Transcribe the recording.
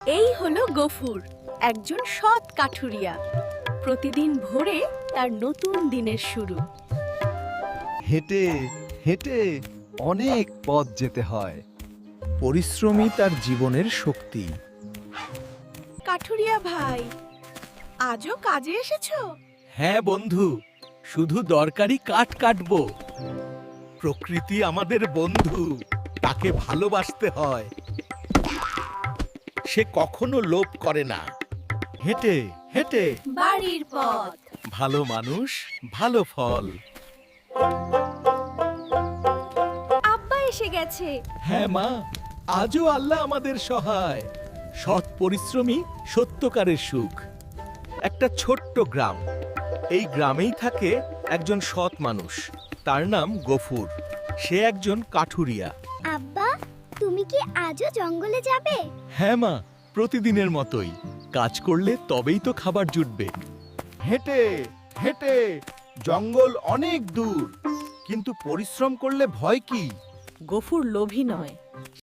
এই হলো গফুর, একজন সৎ কাঠুরিয়া। প্রতিদিন ভোরে তার নতুন দিনের শুরু। হেঁটে হেঁটে অনেক পথ যেতে হয়। পরিশ্রমই তার জীবনের শক্তি। কাঠুরিয়া ভাই, আজও কাজে এসেছো? হ্যাঁ বন্ধু, শুধু দরকারি কাঠ কাটবো। প্রকৃতি আমাদের বন্ধু, তাকে ভালোবাসতে হয়। সে কখনো লোভ করে না। হেঁটে হেঁটে বাড়ির পথ। ভালো মানুষ, ভালো ফল। আব্বা এসে গেছে। হ্যাঁ মা, আজও আল্লাহ আমাদের সহায়। সৎ পরিশ্রমী সত্যকারের সুখ। একটা ছোট্ট গ্রাম, এই গ্রামেই থাকে একজন সৎ মানুষ। তার নাম গফুর। সে একজন কাঠুরিয়া। আব্বা, তুমি কি আজও জঙ্গলে যাবে? হ্যাঁ মা, প্রতিদিনের মতোই। কাজ করলে তবেই তো খাবার জুটবে। হেঁটে হেঁটে জঙ্গল অনেক দূর, কিন্তু পরিশ্রম করলে ভয় কি? গফুর লোভী নয়,